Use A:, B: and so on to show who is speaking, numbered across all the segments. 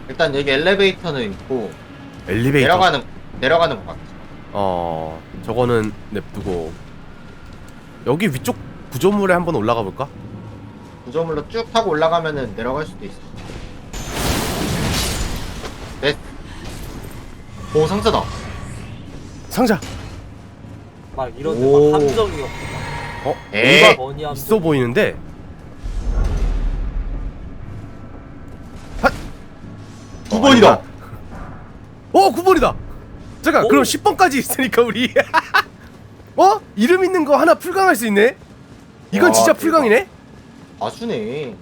A: 일단 여기 엘리베이터는 있고
B: 엘리베이터.
A: 내려가는 것 같아.
B: 저거는 냅두고 여기 위쪽 구조물에 한번 올라가 볼까?
A: 구조물로 쭉 타고 올라가면은 내려갈 수도 있어. 네. 오 상자다.
B: 상자.
C: 막 이런데
A: 오.
C: 막 함정이 없고
A: 에이.
B: 뭔가
C: 버니 함정.
B: 있어 보이는데. 핫!
A: 9번이다.
B: 9번이다. 잠깐,
C: 오.
B: 그럼 10번까지 있으니까 우리 이름 있는 거 하나 풀강할 수 있네. 이건
A: 와,
B: 진짜
A: 대박.
B: 풀강이네.
A: 아주네.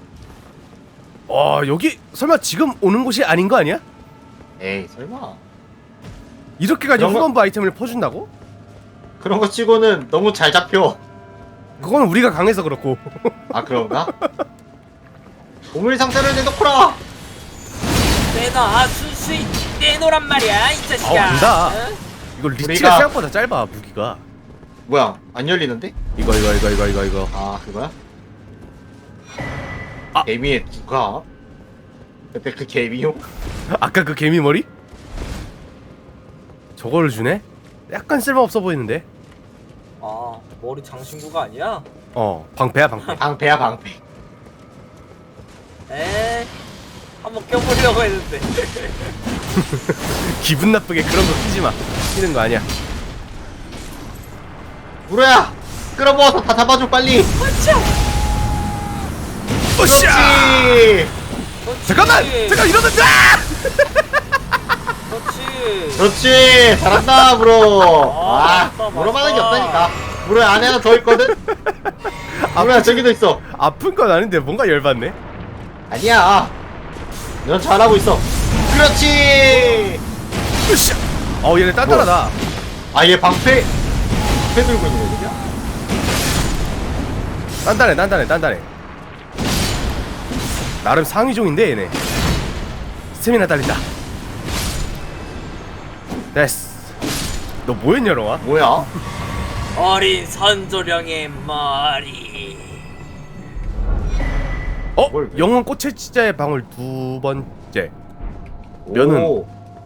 B: 여기 설마 지금 오는 곳이 아닌 거 아니야?
A: 에이 설마.
B: 이렇게까지
A: 그런 거-
B: 후반부 아이템을 퍼준다고?
A: 그런 거 치고는 너무 잘 잡혀.
B: 그건 우리가 강해서 그렇고.
A: 아 그런가? 보물 상자를 내놓거라.
C: 내놔 순수히 내놓란 말이야 이 자식아.
B: 안다.
C: 응?
B: 이거 리치가
A: 우리가-
B: 생각보다 짧아 무기가.
A: 뭐야 안 열리는데?
B: 이거.
A: 아 그거야?
B: 아.
A: 개미의 두가? 그때 그 개미요?
B: 아까 그 개미 머리? 저거를 주네? 약간 쓸모없어 보이는데.
C: 아 머리 장신구가 아니야?
B: 방패야 방패.
A: 방패야 방패.
C: 에 한번 껴보려고 했는데.
B: 기분 나쁘게 그런 거 끼지 마. 끼는 거 아니야.
A: 무로야 끌어모아서 다 잡아줘 빨리.
B: 오샤!
A: 그렇지.
B: 잠깐만 이러면
C: 그렇지.
A: 그렇지 잘한다 무로. 아
C: 맞다,
A: 무로만한 게
C: 맞다.
A: 없다니까. 무로야 안에 하나 더 있거든. 무로야 저기도 있어.
B: 아픈 건 아닌데 뭔가 열받네.
A: 아니야. 넌 잘하고 있어. 그렇지.
B: 으쌰! 얘네 단단하다.
A: 아 얘 방패 들고 있는 거냐?
B: 단단해. 나름 상위종인데 얘네. 스태미나 딸린다. 됐어. 너 뭐했냐 롱아?
A: 뭐야?
C: 어린 선조령의 머리.
A: 뭘 왜?
B: 영혼 꽃의 치자의 방울 두 번째. 면은
A: 오,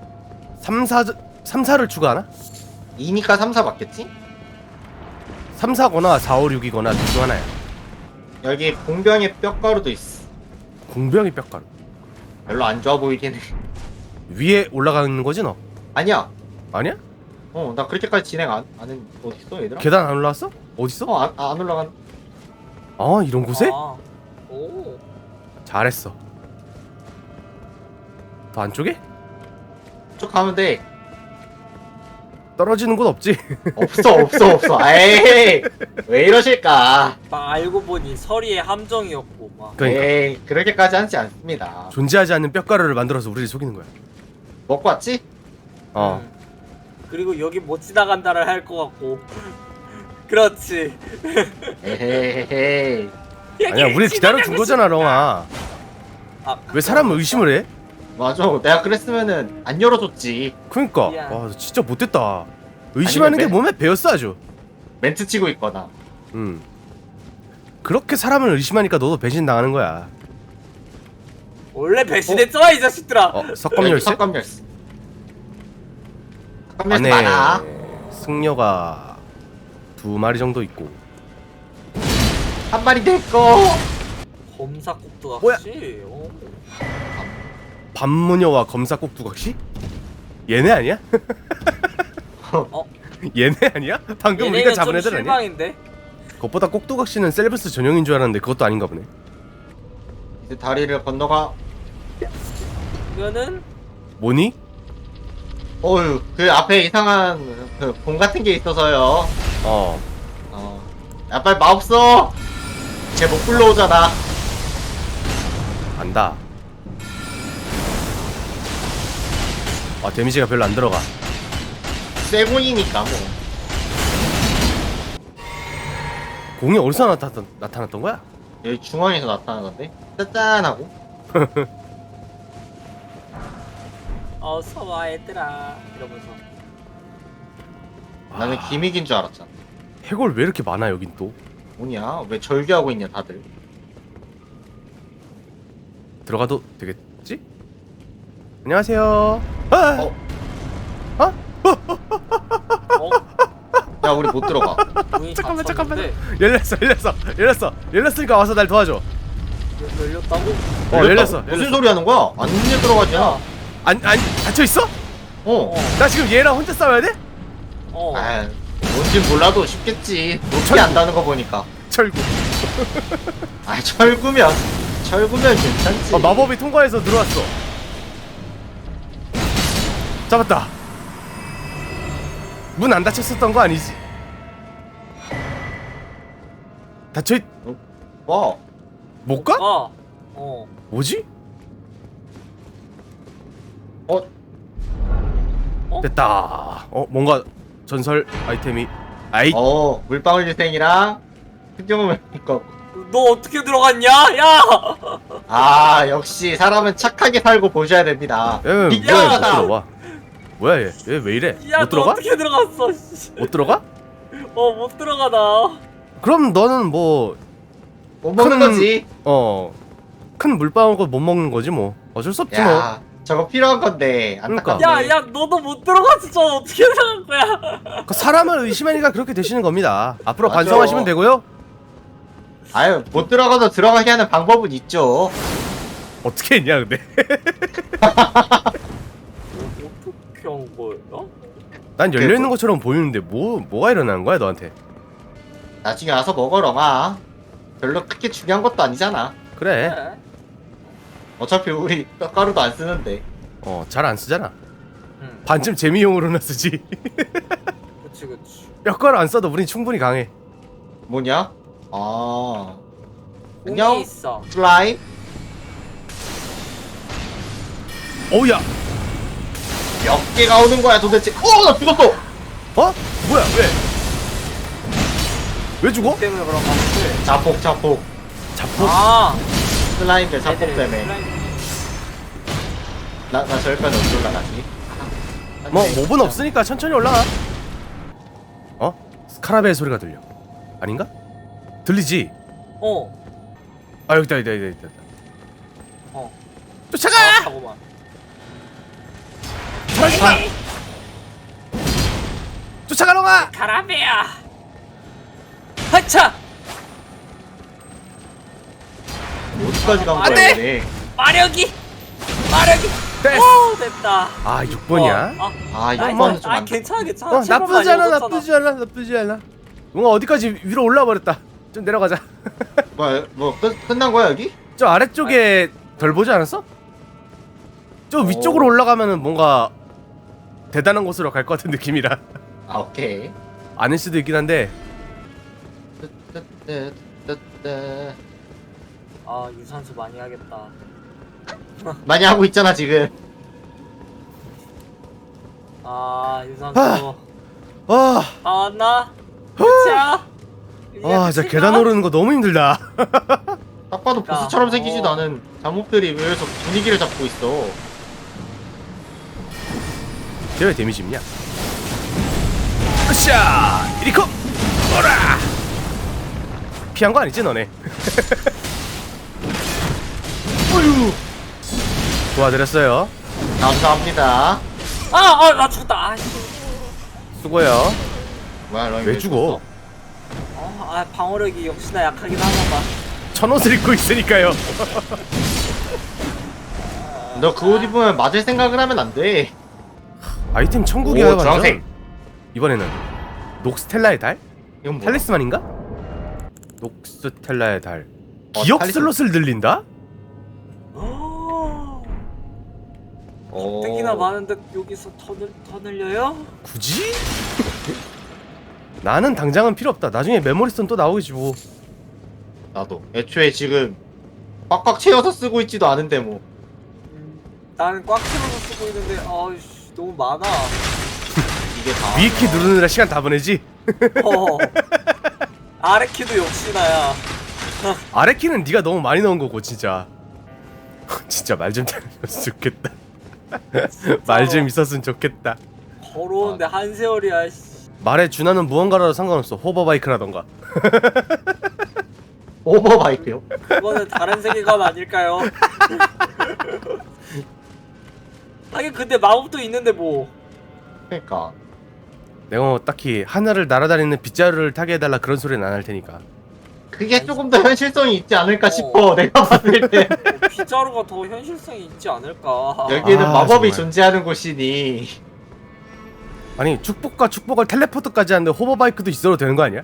B: 3사를 추가하나?
A: 2니까 3, 4 맞겠지?
B: 3, 4거나 4, 5, 6이거나 둘 중 하나야.
A: 여기 공병의 뼈가루도 있어.
B: 공병이 뼈가루.
A: 별로 안 좋아 보이긴 해.
B: 위에 올라가는 거지 너?
A: 아니야.
B: 아니야?
A: 나 그렇게까지 진행 안 해. 어딨어 얘들아?
B: 계단 안 올라왔어? 어딨어?
A: 안 올라간.
B: 이런 곳에?
C: 오.
B: 잘했어. 더 안쪽에?
A: 쭉 가면 돼.
B: 떨어지는 곳 없지?
A: 없어. 에이, 왜 이러실까?
C: 막 알고 보니 서리의 함정이었고 막.
B: 그러니까
A: 에이, 그렇게까지 하지 않습니다.
B: 존재하지 않는 뼈가루를 만들어서 우리를 속이는 거야.
A: 먹고 왔지?
C: 음. 그리고 여기 못 지나간다를 할 것 같고. 그렇지.
A: 에헤헤헤.
B: 아니야, 우리 기다려준 거잖아, 렁아. 왜 사람을 의심을 해?
A: 맞아. 내가 그랬으면은 안 열어줬지.
B: 그니까.
C: 미안.
B: 와, 너 진짜 못됐다. 의심하는 게
A: 아니면
B: 몸에 배었어, 아주.
A: 멘트 치고 있거나.
B: 그렇게 사람을 의심하니까 너도 배신 당하는 거야.
C: 원래 배신했잖아 이 자식들아.
B: 석검 열쇠?
A: 석검 열쇠. 석검 열쇠
B: 안에
A: 많아.
B: 승려가 2마리 정도 있고.
A: 한 마리 내꺼.
C: 검사 꼭두가
B: 뭐야?
C: 혹시?
B: 반무녀와 검사 꼭두각시? 얘네 아니야?
C: 어?
B: 얘네 아니야? 방금 우리가
C: 얘네는
B: 잡은
C: 좀
B: 애들 아니야?
C: 실망인데?
B: 그것보다 꼭두각시는 셀브스 전용인 줄 알았는데 그것도 아닌가 보네.
A: 이제 다리를 건너가.
C: 이거는
B: 뭐니?
A: 어휴, 그 앞에 이상한 그 공 같은 게 있어서요. 야 빨리 마법 써. 쟤 못 불러오잖아.
B: 안다. 데미지가 별로 안 들어가.
A: 쇠곤이니까 뭐.
B: 공이 어디서 나타났던 거야?
A: 여기 중앙에서 나타나는 건데. 짠짠하고.
C: 어서 와 얘들아 이러면서.
A: 나는 기믹인 줄 알았잖아.
B: 해골 왜 이렇게 많아 여긴 또?
A: 뭐냐? 왜 절규하고 있냐 다들.
B: 들어가도 되겠지? 안녕하세요. 아!
A: 어?
B: 어?
C: 어?
A: 야 우리 못 들어가.
C: 문이
B: 잠깐만
C: 닫혔는데
B: 열렸으니까 와서 날 도와줘.
C: 열렸다고?
B: 열렸어.
A: 무슨 소리 하는 거야? 안 들어가잖아.
B: 아니 닫혀 있어?
A: 어.
B: 나 지금 얘랑 혼자 싸워야 돼?
C: 어.
A: 아, 뭔진 몰라도 쉽겠지. 높이 안다는 거 보니까.
B: 철구.
A: 아, 철구면 괜찮지.
B: 마법이 통과해서 들어왔어. 잡았다. 문 안 닫혔었던 거 아니지? 닫혀 있...
A: 와,
B: 못 가?
C: 어.
B: 뭐지?
A: 어,
B: 됐다. 뭔가 전설 아이템이
A: 물방울 유생이랑 흑경을 먹고.
C: 너 어떻게 들어갔냐? 야!
A: 아, 역시 사람은 착하게 살고 보셔야 됩니다.
B: 얘 뭐야? 못
A: 비켜라.
B: 들어와. 뭐야 얘? 얘 왜 이래?
C: 야,
B: 못
C: 너
B: 들어가?
C: 어떻게 들어갔어? 씨.
B: 못 들어가?
C: 못 들어가 나.
B: 그럼 너는 뭐
A: 못 먹는
B: 큰-
A: 거지.
B: 큰 물방울 못 먹는 거지 뭐. 어쩔 수 없지 뭐.
A: 야, 저거 필요한 건데.
B: 그러니까.
A: 안타깝네.
C: 야, 너도 못 들어갔어. 저 어떻게 들어간 거야?
B: 그 사람을 의심하니까 그렇게 되시는 겁니다. 앞으로
A: 맞아.
B: 반성하시면 되고요.
A: 아유, 못 들어가도 들어가게 하는 방법은 있죠.
B: 어떻게 했냐 근데?
C: 어떻게 한 거야?
B: 난 열려 있는 것처럼 보이는데 뭐가 일어나는 거야 너한테?
A: 나중에 와서 먹어러마. 별로 크게 중요한 것도 아니잖아.
B: 그래.
C: 그래.
A: 어차피 우리 뼈가루도 안 쓰는데.
B: 잘 안 쓰잖아.
C: 응.
B: 반쯤 재미용으로나 쓰지.
C: 그치.
B: 뼈가루 안 써도 우린 충분히 강해.
A: 뭐냐? 아,
C: 공이
A: 안녕?
C: 있어.
A: 플라이?
B: 어우야.
A: 몇 개가 오는 거야 도대체? 나 죽었어!
B: 뭐야 왜? 왜 죽어?
C: 때문에 그런 거 같지?
A: 자폭.
B: 자폭.
A: 슬라임들 자폭
C: 애들이
A: 때문에.
C: 슬라임-
A: 나 저기까지 어디 올라가지?
B: 뭐 몹은 없으니까 천천히 올라가. 스카라벨 소리가 들려. 아닌가? 들리지? 아 여기다.
C: 어.
B: 쫓아가!
C: 하고만.
B: 쫓아가러 가!
C: 가라베야. 하차.
A: 어디까지 간
B: 안
A: 거야
B: 돼!
A: 얘네?
C: 마력이.
B: 됐어.
C: 됐다.
B: 6번이야?
A: 아,
B: 뭐,
A: 이번은 좀 안...
C: 괜찮아.
B: 나쁘지 않아. 뭔가 어디까지 위로 올라버렸다. 좀 내려가자.
A: 끝난 거야 여기?
B: 저 아래쪽에 덜 보지 않았어? 저 위쪽으로 올라가면은 뭔가 대단한 곳으로 갈 것 같은 느낌이라.
A: 아, 오케이.
B: 아닐 수도 있긴 한데.
C: 유산소 많이 하겠다.
A: 많이 하고 있잖아 지금.
C: 유산소.
B: 아,
C: 왔나? 끝이야?
B: 진짜 계단 오르는 거 너무 힘들다.
A: 딱 봐도 보스처럼 생기지도 않은 잠목들이 왜 여기서 분위기를 잡고 있어.
B: 쟤 왜 데미지 입냐? 으쌰! 이리코! 오라! 피한 거 아니지 너네? 어휴! 도와드렸어요.
A: 감사합니다.
C: 나 죽었다.
B: 수고해요.
A: 뭐야, 너
B: 왜 죽어?
C: 방어력이 역시나 약하긴 하나 봐.
B: 천옷을 입고 있으니까요.
A: 너 그 옷 입으면 맞을 생각을 하면 안 돼.
B: 아이템 천국이야
A: 오, 주황색.
B: 완전. 이번에는 녹스텔라의 달?
A: 이건 뭐야?
B: 탈리스만인가? 녹스텔라의 달. 기억
A: 탈리스만.
B: 슬롯을 늘린다?
C: 땡기나 많은데 여기서 더 늘려요?
B: 굳이? 나는 당장은 필요 없다. 나중에 메모리스톤 또 나오겠지 뭐.
A: 나도. 애초에 지금 꽉꽉 채워서 쓰고 있지도 않은데 뭐.
C: 나는 꽉 채워서 쓰고 있는데 너무 많아.
A: 이게 다.
B: 위에 키 누르느라 시간 다 보내지?
C: 아래 키도 역시나야.
B: 아래 키는 네가 너무 많이 넣은 거고 진짜. 진짜 말 좀 잘했으면 좋겠다. 말 좀 있었으면 좋겠다.
C: 걸어오는데 한 세월이야.
B: 말에 준하는 무언가라도 상관없어. 호버바이크라던가.
A: 오버바이크요?
C: 그거는 다른 세계관 아닐까요? 하긴 근데 마법도 있는데 뭐.
A: 그러니까
B: 내가 뭐 딱히 하늘을 날아다니는 빗자루를 타게 해달라 그런 소리는 안 할 테니까.
A: 그게 조금 더 현실성이 있지 않을까 싶어. 내가 봤을 때
C: 빗자루가 더 현실성이 있지 않을까.
A: 여기는
B: 아,
A: 마법이
B: 정말.
A: 존재하는 곳이니.
B: 아니 축복과 축복을 텔레포트까지 하는데 호버바이크도 있어도 되는 거 아니야?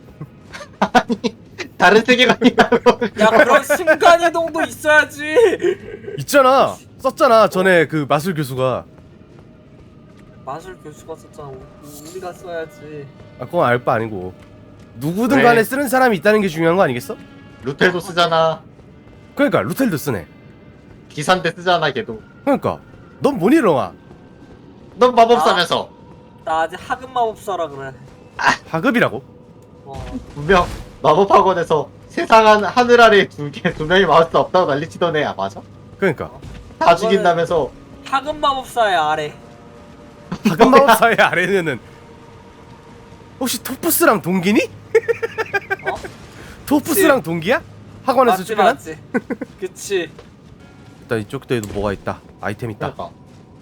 A: 다른 세계관이라고.
C: 야 그런 순간이동도 있어야지.
B: 있잖아. 썼잖아 전에 그 마술 교수가.
C: 마술 교수가 썼잖아. 우리가 써야지.
B: 아 그건 알 바 아니고. 누구든
A: 왜?
B: 간에 쓰는 사람이 있다는 게 중요한 거 아니겠어?
A: 루텔도 쓰잖아.
B: 그러니까 루텔도 쓰네.
A: 기사인데 쓰잖아 걔도.
B: 그러니까 넌 뭐니 렁아?
A: 넌 마법사면서.
C: 나 아직 학은 마법사라 그래.
B: 하급이라고?
A: 분명 마법학원에서 세상 하늘 아래 두 명이 마법사 없다고 난리치던 애야. 맞아?
B: 그러니까
A: 다 죽인다면서.
C: 학은 마법사의 아래.
B: 하급 마법사의 아래는 혹시 토프스랑 동기니?
C: 어?
B: 토프스랑 동기야? 학원에서
C: 맞지
B: 출연한?
C: 맞지. 그치.
B: 일단 이쪽도에도 뭐가 있다. 아이템 있다.
A: 그러니까.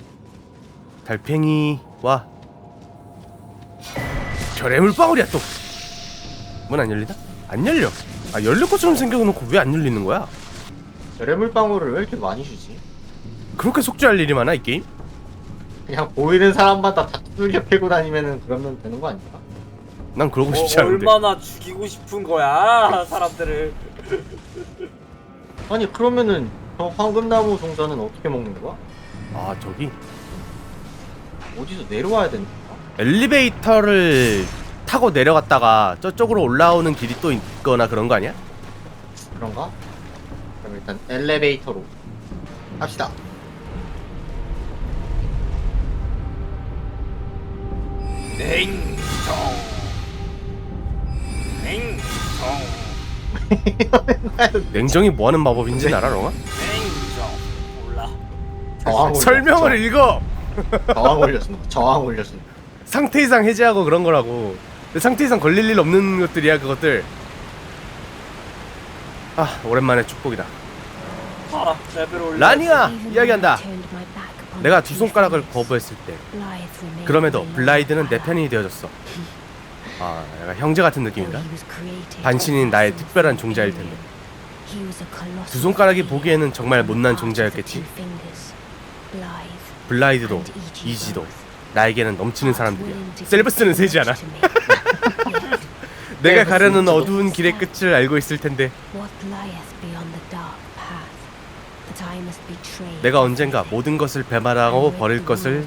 B: 달팽이와 별의 물방울이야 또. 문 안 열리나? 안 열려. 아 열릴 것처럼 생겨놓고 왜 안 열리는 거야?
A: 별의 물방울을 왜 이렇게 많이 주지?
B: 그렇게 속죄할 일이 많아 이 게임?
A: 그냥 보이는 사람마다 다 두들겨 패고 다니면은 그러면 되는 거 아닌가?
B: 난 그러고 싶지 않은데.
C: 얼마나 죽이고 싶은 거야 사람들을.
A: 아니 그러면은 저 황금나무 동전은 어떻게 먹는 거야?
B: 아 저기
A: 어디서 내려와야 되는 거야?
B: 엘리베이터를 타고 내려갔다가 저쪽으로 올라오는 길이 또 있거나 그런 거 아니야?
A: 그런가? 그럼 일단 엘리베이터로 갑시다.
C: 냉정. 냉정.
B: 냉정이 뭐하는 마법인지 알아 렁아?
C: 냉정. 몰라.
A: 저항 올려.
B: 설명을 읽어!
A: 저항 올렸습니다. 저항 올렸습니다.
B: 상태 이상 해제하고 그런 거라고. 근데 상태 이상 걸릴 일 없는 것들이야 그것들. 아 오랜만에 축복이다.
C: 봐라 레벨 올려.
B: 라니아! 이야기한다. 내가 두 손가락을 거부했을 때 그럼에도 블라이드는 내 편이 되어줬어. 아 약간 형제 같은 느낌인가? 반신인 나의 특별한 종자일 텐데 두 손가락이 보기에는 정말 못난 종자였겠지. 블라이드도 이지도 나에게는 넘치는 사람들이야. 셀브스는 세지 않아. 내가 가려는 어두운 길의 끝을 알고 있을 텐데 내가 언젠가 모든 것을 배말하고 버릴 것을.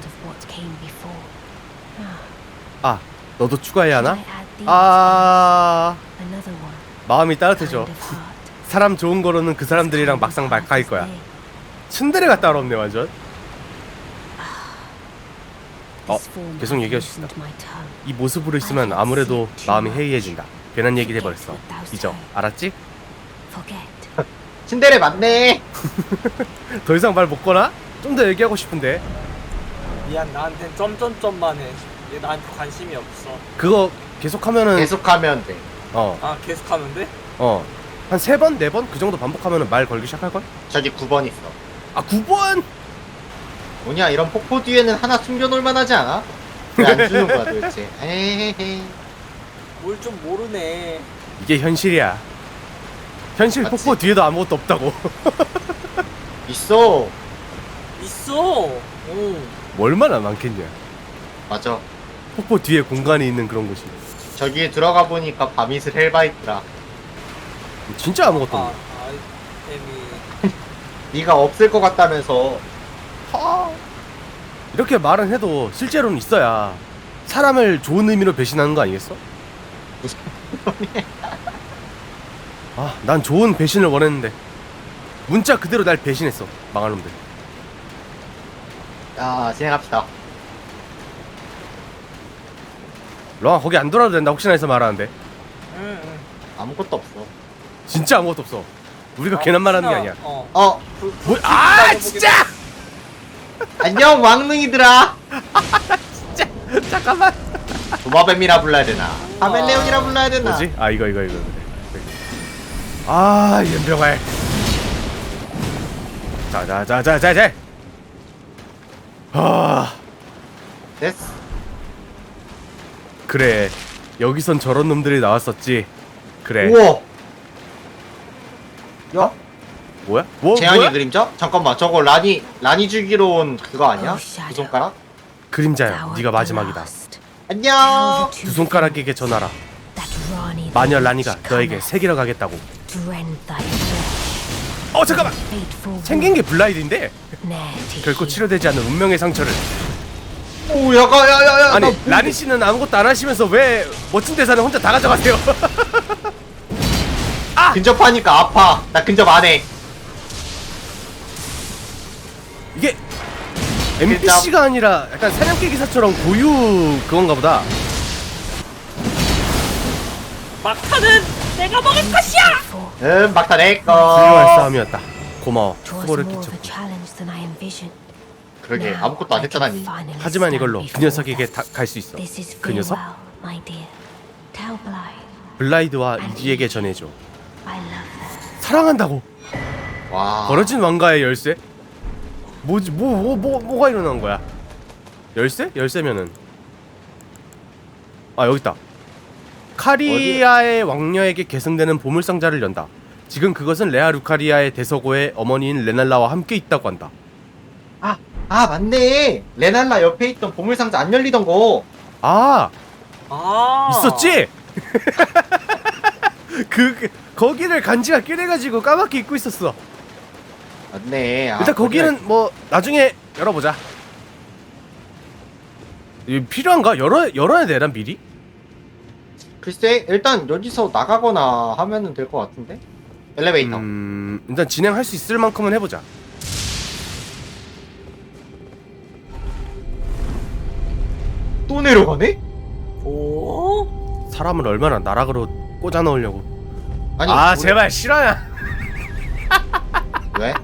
B: 아 너도 추가해야 하나? 아 마음이 따뜻해져. 사람 좋은 거로는 그 사람들이랑 막상 말카일 거야. 츤데레가 따로 없네 완전. 계속 얘기할 수 있다. 이 모습으로 있으면 아무래도 마음이 해이해진다. 괜한 얘기 해버렸어. 잊어. 알았지?
A: 신데레 맞네.
B: 더 이상 말 못 거나? 좀 더 얘기하고 싶은데.
C: 미안 나한텐 점점점만 해. 얘 나한테 관심이 없어.
B: 그거 계속하면은
A: 계속하면 돼.
C: 아 계속하면 돼?
B: 한 3번, 4번 그 정도 반복하면은 말 걸기 시작할걸?
A: 저기 9번 있어.
B: 아 9번!
A: 뭐냐 이런 폭포 뒤에는 하나 숨겨놓을 만하지 않아? 왜 안 주는 거야 도대체? 에헤헤.
C: 뭘 좀 모르네.
B: 이게 현실이야. 현실
A: 맞지?
B: 폭포 뒤에도 아무것도 없다고.
A: 있어.
C: 있어. 응.
B: 뭐 얼마나 많겠냐.
A: 맞아.
B: 폭포 뒤에 공간이 있는 그런 곳이.
A: 저기에 들어가 보니까 바미슬 헬바이트라.
B: 진짜 아무것도
C: 아
B: 없네.
C: 아이템이.
A: 네가 없을 것 같다면서.
B: 이렇게 말은 해도 실제로는 있어야 사람을 좋은 의미로 배신하는 거 아니겠어?
A: 무슨
B: 아, 난 좋은 배신을 원했는데 문자 그대로 날 배신했어. 망할 놈들.
A: 자 진행합시다.
B: 렁아 거기 안 돌아도 된다. 혹시나 해서 말하는데
C: 응.
A: 아무것도 없어.
B: 진짜 아무것도 없어. 우리가 괜한 말하는 게 아니야.
A: 어
B: 뭐, 아 진짜!
A: 안녕 왕능이들아.
B: 잠깐만.
A: 도마뱀이라 불러야 되나? 카멜레온이라 불러야 되나?
B: 뭐지? 아 이거 그래. 아 연병알. 자. 아
A: 됐어.
B: 그래 여기선 저런 놈들이 나왔었지. 그래.
A: 우와. 야,
B: 뭐야? 뭐
A: 재앙의
B: 뭐야?
A: 그림자? 잠깐만, 저거 라니 주기로 온 그거 아니야? 두 손가락?
B: 그림자야. 네가 마지막이다.
A: 안녕.
B: 두 손가락에게 전하라. 마녀 라니가 너에게 새기러 가겠다고. 잠깐만. 생긴 게 블라이드인데 결코 치료되지 않는 운명의 상처를.
A: 오, 야가.
B: 아니 라니 씨는 아무것도 안 하시면서 왜 멋진 대사는 혼자 다 가져가세요?
A: 근접하니까 아파. 나 근접 안 해.
B: 이게 NPC가 아니라 약간 사냥개 기사처럼 고유 그건가 보다.
C: 막타는 내가 먹을 것이야.
A: 막다 내
B: 훌륭한
A: 거.
B: 싸움이었다. 고마워. 수고를 끼쳤고.
A: 그러게, 아무것도 안 했잖아니.
B: 하지만 이걸로 그 녀석에게 갈 수 있어. 그 녀석? 블라이드와 이지에게 전해줘. 사랑한다고.
A: 와.
B: 버려진 왕가의 열쇠? 뭐지? 뭐가 일어난 거야? 열쇠? 열쇠면은 여기 있다. 카리아의 왕녀에게 계승되는 보물상자를 연다. 지금 그것은 레아 루카리아의 대서고의 어머니인 레날라와 함께 있다고 한다.
A: 맞네. 레날라 옆에 있던 보물상자 안 열리던 거.
B: 있었지? 거기를 간지가 꾀내가지고 까맣게 잊고 있었어.
A: 맞네.
B: 일단 거기는 뭐 나중에 열어보자. 이거 필요한가? 열어야 되나 미리?
A: 글쎄, 일단 여기서 나가거나 하면은 될 것 같은데? 엘리베이터.
B: 일단 진행할 수 있을 만큼은 해보자.
A: 또 내려가네?
C: 오?
B: 사람을 얼마나 나락으로 꽂아 넣으려고.
A: 아니,
B: 제발 실화야.
A: 왜?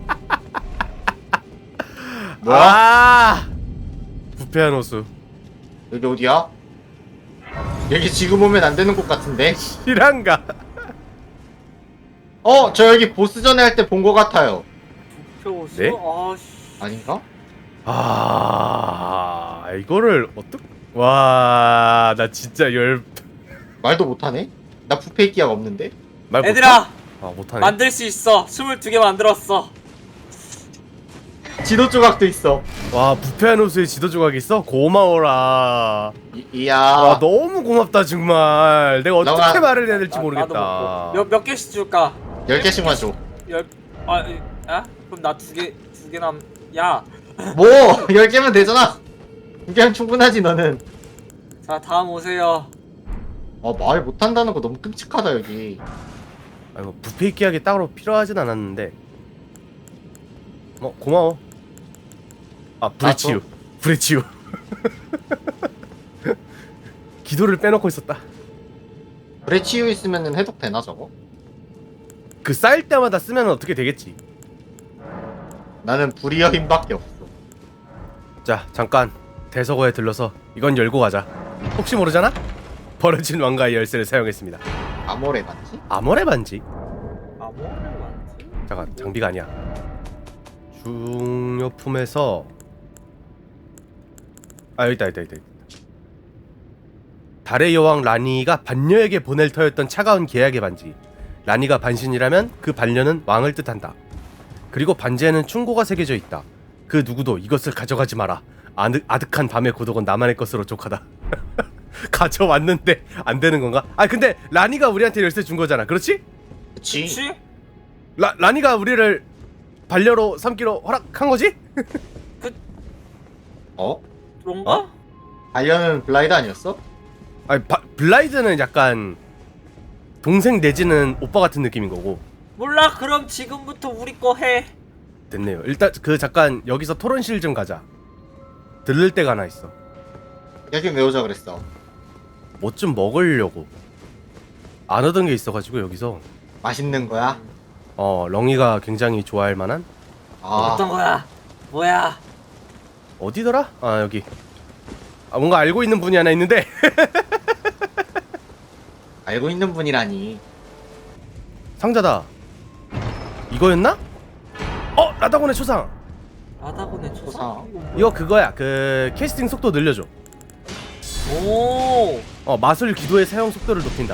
A: 뭐야?
B: 부패한 호수.
A: 여기 어디야? 여기 지금 오면 안 되는 곳 같은데?
B: 실한가?
A: 저 여기 보스전에 할 때 본 것 같아요.
C: 부표수?
B: 네?
A: 아닌가?
B: 이거를 와, 나 진짜
A: 말도 못하네? 나 부패 기약 없는데?
B: 말 못하?
C: 얘들아
B: 못하네.
C: 만들 수 있어. 22개 만들었어.
A: 지도 조각도 있어.
B: 와, 부패한 호수에 지도 조각이 있어? 고마워라.
A: 이야.
B: 와, 너무 고맙다 정말. 내가 어떻게
A: 너가-
B: 말을 해야 될지
C: 나도
B: 모르겠다.
C: 먹고. 몇 개씩 줄까?
A: 10개씩만 줘.
C: 그럼 나 두 개 야.
A: 뭐! 10개면 되잖아! 2개면 충분하지, 너는.
C: 자, 다음 오세요.
A: 말 못한다는 거 너무 끔찍하다, 여기.
B: 뭐 부패 기약이 따로 필요하진 않았는데. 고마워. 불의 치유. 기도를 빼놓고 있었다.
A: 불에 치유 있으면은 해독되나, 저거?
B: 그 쌓일 때마다 쓰면 어떻게 되겠지.
A: 나는 불이여 힘밖에 없어.
B: 자, 잠깐 대서고에 들러서 이건 열고 가자. 혹시 모르잖아? 버려진 왕가의 열쇠를 사용했습니다.
A: 아모레 맞지?
B: 아모레 반지?
C: 뭐를 만지?
B: 잠깐, 장비가 아니야. 중요품에서 여기 있다. 달의 여왕 라니가 반려에게 보낼 터였던 차가운 계약의 반지. 라니가 반신이라면 그 반려는 왕을 뜻한다. 그리고 반지에는 충고가 새겨져 있다. 그 누구도 이것을 가져가지 마라. 아득한 밤의 고독은 나만의 것으로 족하다. 가져왔는데 안 되는 건가? 근데 라니가 우리한테 열쇠 준 거잖아. 그렇지?
A: 그치?
C: 그치?
B: 라니가 우리를 반려로 삼기로 허락한 거지?
C: 그런가?
A: 반려는 블라이드 아니었어?
B: 블라이드는 약간 동생 내지는 오빠 같은 느낌인 거고.
C: 몰라. 그럼 지금부터 우리 거 해.
B: 됐네요. 일단 잠깐 여기서 토론실 좀 가자. 들를 데가 하나 있어.
A: 여기 왜 오자 그랬어?
B: 뭐 좀 먹으려고. 안 얻은 게 있어가지고 여기서.
A: 맛있는 거야?
B: 렁이가 굉장히 좋아할 만한.
C: 어떤 거야? 뭐야?
B: 어디더라? 여기. 뭔가 알고 있는 분이 하나 있는데.
A: 알고 있는 분이라니.
B: 상자다. 이거였나? 라다곤의 초상.
C: 바다군의 초상?
A: 초상.
B: 이거 그거야. 그 캐스팅 속도 늘려줘.
C: 오.
B: 마술 기도의 사용 속도를 높인다.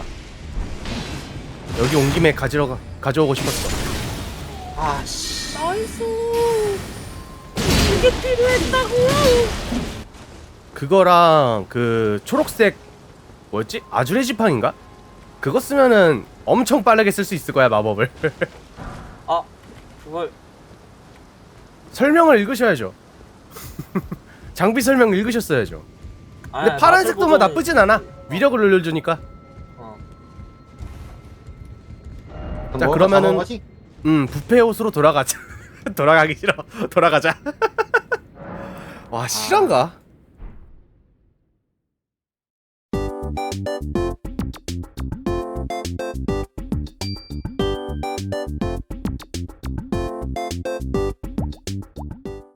B: 여기 온 김에 가져오고 싶었어.
A: 아씨.
C: 나이스. 이게 필요했다고.
B: 그거랑 그 초록색 뭐였지? 아주레 지팡인가? 그거 쓰면은 엄청 빠르게 쓸 수 있을 거야 마법을.
C: 아, 그걸
B: 설명을 읽으셔야죠. 장비 설명 읽으셨어야죠. 근데
C: 아,
B: 파란색도 뭐
C: 마술
B: 나쁘진 않아. 위력을 늘려주니까.
C: 어.
B: 자,
A: 뭐,
B: 그러면은-
A: 다 먹은 거지?
B: 부패 옷으로 돌아가자. 돌아가기 싫어. 돌아가자. 와 실한가?